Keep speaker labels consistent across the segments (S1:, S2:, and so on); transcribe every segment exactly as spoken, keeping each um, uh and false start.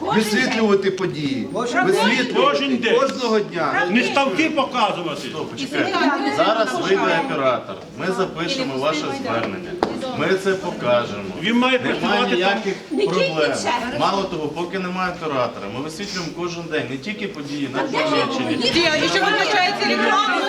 S1: висвітлювати події, висвітлювати кожного дня.
S2: Не ставки показувати.
S3: Почекайте. Зараз вийде оператор. Ми запишемо ваше звернення. Ми це покажемо.
S2: Він має
S3: Немає
S2: працювати
S3: ніяких проблем. Мало того, поки немає оператора, ми висвітлюємо кожен день не тільки події на Хмельниччині.
S4: І що виключається рекламу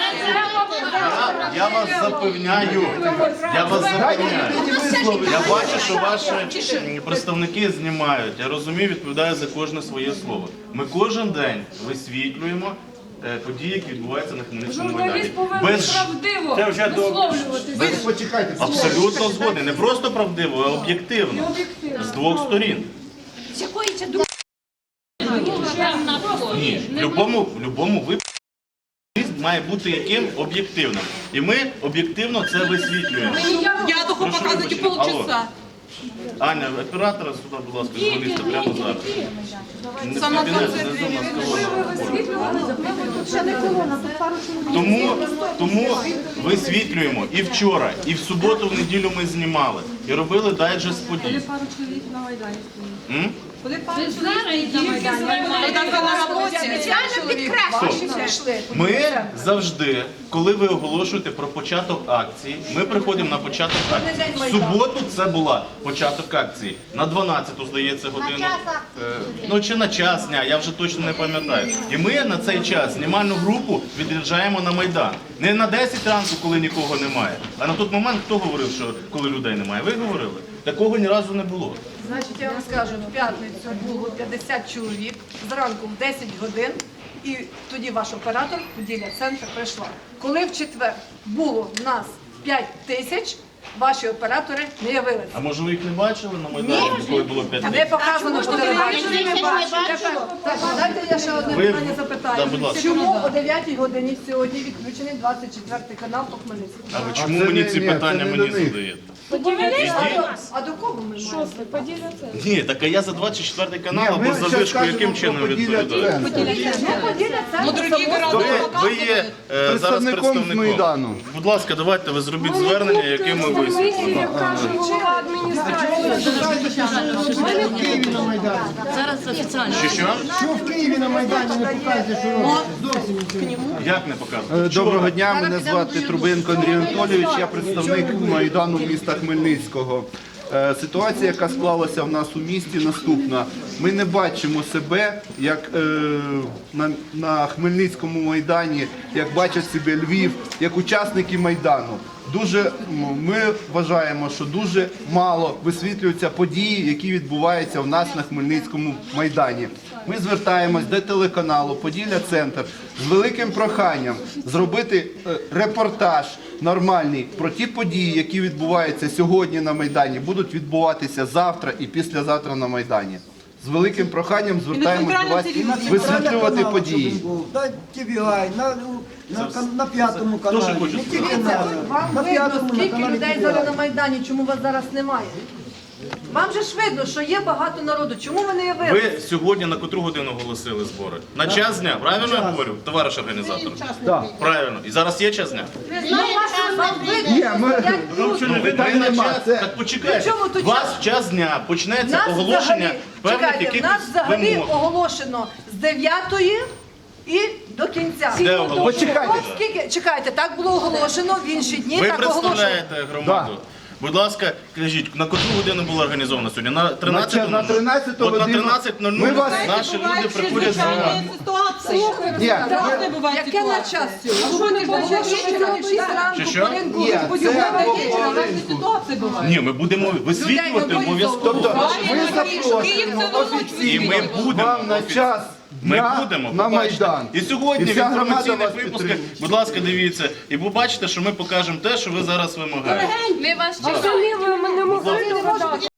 S3: Я, я вас запевняю, я вас запевняю. Я бачу, що ваші представники знімають. Я розумію, відповідаю за кожне своє слово. Ми кожен день висвітлюємо е, події, які відбуваються на Хмельницькому майдані.
S5: Журналіст повинен
S3: Без
S5: правдиво
S2: Це вже
S5: висловлюватися.
S1: Почекайте,
S3: абсолютно згоден. Не просто правдиво, а об'єктивно. З двох сторін.
S6: З якої це думки?
S3: Ні, в будь-якому в будь-якому випадку має бути яким об'єктивним. І ми об'єктивно це висвітлюємо.
S4: Я того
S3: Прошу
S4: показувати
S3: вибачення.
S4: полчаса.
S3: Аня, оператора сюди, будь ласка, журналіста прямо зараз. Не
S4: Сама
S3: в кабінет,
S4: концепція.
S3: внизу у нас колона. Тому, тому висвітлюємо і вчора, і в суботу, в неділю ми знімали. І робили дайджест подій.
S5: Пару чоловік на Майдані стоїть.
S3: М?
S5: Коли пару чоловік на Майдані.
S4: Там на роботі.
S3: Ми завжди, коли ви оголошуєте про початок акції, ми приходимо на початок акції. В суботу це була початок акції. На дванадцяту, здається, годину. Е, Ну чи на час дня, я вже точно не пам'ятаю. І ми на цей час знімальну групу відряджаємо на Майдан. Не на десять ранку, коли нікого немає, а на той момент, хто говорив, що коли людей немає? Ви говорили? Такого ні разу не було.
S7: Значить, я вам скажу, в п'ятницю було п'ятдесят чоловік, зранку в десять годин, і тоді ваш оператор, Поділля Центр, прийшла. Коли в четвер було в нас п'ять тисяч, ваші оператори не явилися.
S3: А може ви їх не бачили на Майдані, коли було п'ять
S7: Не
S3: тисяч?
S7: показано по телебаченню. Так, дайте я ще одне
S3: Ви-
S7: питання
S3: Да,
S7: запитаю.
S3: будь ласка.
S7: Чому о дев'ятій годині сьогодні відключений двадцять четвертий канал по Хмельницькому?
S3: А ви
S1: А
S3: чому
S1: це
S3: мені
S1: не-
S3: ці
S1: ні,
S3: питання
S1: це не
S3: мені
S1: до них.
S3: задаєте?
S7: А до кого ми маємо?
S5: Поділля це.
S3: Ні, так а я за двадцять четвертий канал
S1: Ні,
S3: або
S1: ми
S3: за
S1: щас
S3: вишку
S1: кажемо
S3: яким
S1: про
S3: чином
S1: Поділля
S3: відповідаю?
S1: Центр.
S7: Ну, Поділля
S4: Ну,
S7: Центр.
S4: другі города
S3: Ви,
S4: не
S3: ви є
S4: показують.
S3: е, зараз
S1: Представником з
S3: представником.
S1: Майдану.
S3: Будь ласка, давайте ви зробіть звернення, яке ми висвітлимо.
S5: Каже голова адміністрації.
S6: Зараз офіційно.
S3: Що що?
S8: Що в Києві на Майдані не показує, що робить? Зовсім нічого.
S3: Як не показувати?
S1: Е, Доброго дня, мене звати Трубинко Андрій Анатолійович, я представник Майдану міста Хмельницького. Е, Ситуація, яка склалася в нас у місті, наступна. Ми не бачимо себе як е, на, на Хмельницькому Майдані, як бачать себе Львів, як учасники Майдану. Дуже м, ми вважаємо, що дуже мало висвітлюються події, які відбуваються в нас на Хмельницькому Майдані. Ми звертаємось до телеканалу Поділля Центр з великим проханням зробити е, репортаж нормальний про ті події, які відбуваються сьогодні на Майдані, будуть відбуватися завтра і післязавтра на Майдані. З великим проханням звертаємось до вас висвітлювати події.
S8: На ті бі ай, на, на, кан- на п'ятому каналі.
S3: Дуже хочу
S8: Не тільки
S3: сказати.
S8: на,
S7: Вам
S8: на
S7: видно,
S8: п'ятому на
S7: скільки
S8: каналі
S7: людей
S8: ті бі
S7: зараз
S8: ай.
S7: на Майдані, чому вас зараз немає? Вам же ж видно, що є багато народу. Чому ви не явилися?
S3: Ви сьогодні на котру годину оголосили збори? На час дня, правильно я говорю, товариш організатор? Правильно. І зараз є час дня?
S7: Ну, вас- вам видно,
S1: Ні,
S7: що
S1: ми-
S7: стоять
S3: Ну,
S7: люди.
S3: ви
S1: питань
S3: на
S1: нема,
S3: час,
S1: це-
S3: так почекайте.
S7: При чому тут
S3: У вас
S7: час?
S3: в час дня почнеться
S7: Нас
S3: оголошення
S7: взагалі,
S3: певних
S7: чекайте, в
S3: якихось
S7: нас взагалі
S3: вимог.
S7: оголошено з дев'ятої і до кінця.
S3: Де оголошено?
S1: Почекайте.
S7: От скільки, чекайте, так було оголошено в інші дні,
S3: Ви
S7: так оголошено.
S3: представляєте громаду? Будь ласка, кажіть, на котру годину було організовано сьогодні? На тринадцяту?
S1: На тринадцяту
S3: От на
S1: годину.
S3: тринадцять нуль нуль
S1: Ми вас-
S3: наші люди приходять з громади.
S4: Ситуації.
S1: Ні,
S4: Так,
S1: ми-
S4: не буває
S7: Яке на
S4: ситуації.
S7: час сьогодні?
S4: А що не було
S7: Оголошено
S4: вечора,
S7: в шість ранку,
S3: Чи що?
S7: по ринку,
S1: Ні,
S7: по
S1: це
S7: дюбелю.
S1: по ринку.
S4: Ситуації бувають.
S3: Ні, ми будемо висвітлювати
S7: Людей не
S3: обов'язково.
S1: Тобто ми
S4: Київ
S1: запрошуємо
S4: це великий.
S3: І ми
S1: офіційно
S3: будемо.
S1: вам на час
S3: Ми
S1: дня
S3: будемо
S1: на
S3: побачите.
S1: Майдан.
S3: І сьогодні
S1: І
S3: в
S1: вся громада
S3: інформаційних
S1: вас
S3: випусках,
S1: підтримує.
S3: будь ласка, дивіться, і побачите, що ми покажемо те, що ви зараз вимагаєте.
S5: Ми вас чекаємо. Ми не могли